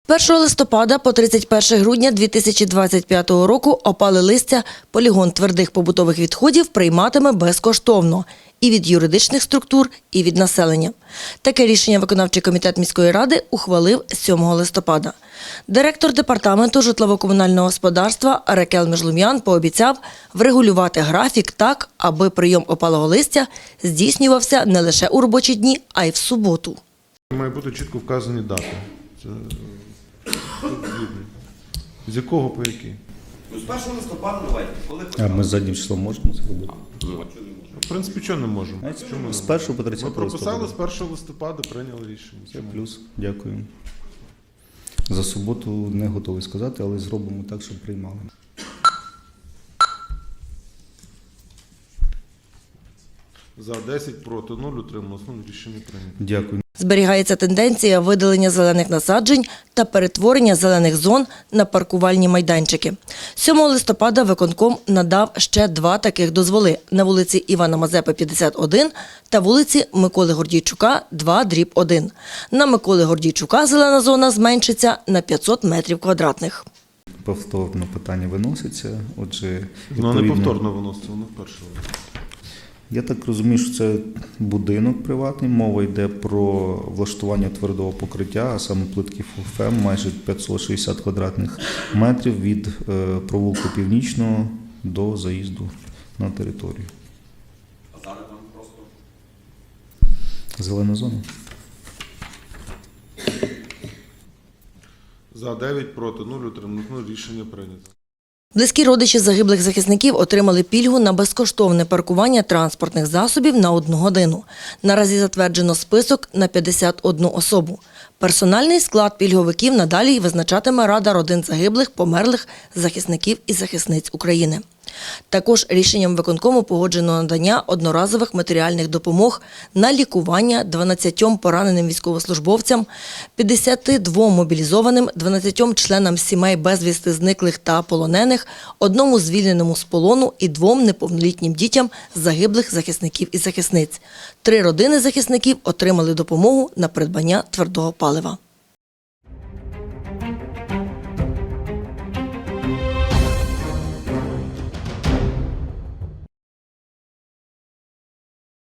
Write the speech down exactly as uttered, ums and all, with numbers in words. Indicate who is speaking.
Speaker 1: першого листопада по тридцять перше грудня дві тисячі двадцять п'ятого року опали листя полігон твердих побутових відходів прийматиме безкоштовно і від юридичних структур, і від населення. Таке рішення виконавчий комітет міської ради ухвалив сьомого листопада. Директор департаменту житлово-комунального господарства Рекел Межлум'ян пообіцяв врегулювати графік так, аби прийом опалого листя здійснювався не лише у робочі дні, а й в суботу.
Speaker 2: Має бути чітко вказані дати. Це... З якого по який?
Speaker 3: З першого листопада давайте. Коли
Speaker 4: А ми заднім числом можемо це робити?
Speaker 2: В принципі, чого не можемо? Чому?
Speaker 4: З першого по
Speaker 2: Ми
Speaker 4: тридцяте
Speaker 2: прописали з
Speaker 4: листопада.
Speaker 2: першого листопада, прийняли рішення.
Speaker 4: Це плюс. Дякую. За суботу не готовий сказати, але зробимо так, щоб приймали.
Speaker 2: За десять, проти нуль, утрималось. Ну, рішення прийнято.
Speaker 4: Дякую.
Speaker 1: Зберігається тенденція видалення зелених насаджень та перетворення зелених зон на паркувальні майданчики. сьомого листопада виконком надав ще два таких дозволи на вулиці Івана Мазепи, п'ятдесят один та вулиці Миколи Гордійчука, два дріб один. На Миколи Гордійчука зелена зона зменшиться на п'ятсот метрів квадратних.
Speaker 4: Повторно питання виноситься. Отже,
Speaker 2: Воно не
Speaker 4: відповідно-
Speaker 2: повторно виноситься, воно вперше.
Speaker 4: Я так розумію, що це будинок приватний. Мова йде про влаштування твердого покриття, а саме плитки ФУФЕМ, майже п'ятсот шістдесят квадратних метрів від е, провулку Північного до заїзду на територію.
Speaker 3: А зараз там просто
Speaker 4: Зелена зона.
Speaker 2: За дев'ять, проти нуль, утрималось. Ну, рішення прийнято.
Speaker 1: Близькі родичі загиблих захисників отримали пільгу на безкоштовне паркування транспортних засобів на одну годину. Наразі затверджено список на п'ятдесят одну особу. Персональний склад пільговиків надалі визначатиме Рада родин загиблих, померлих захисників і захисниць України. Також рішенням виконкому погоджено надання одноразових матеріальних допомог на лікування дванадцятьом пораненим військовослужбовцям, п'ятдесяти двом мобілізованим, дванадцятьом членам сімей безвісти зниклих та полонених, одному звільненому з полону і двом неповнолітнім дітям загиблих захисників і захисниць. Три родини захисників отримали допомогу на придбання твердого палива.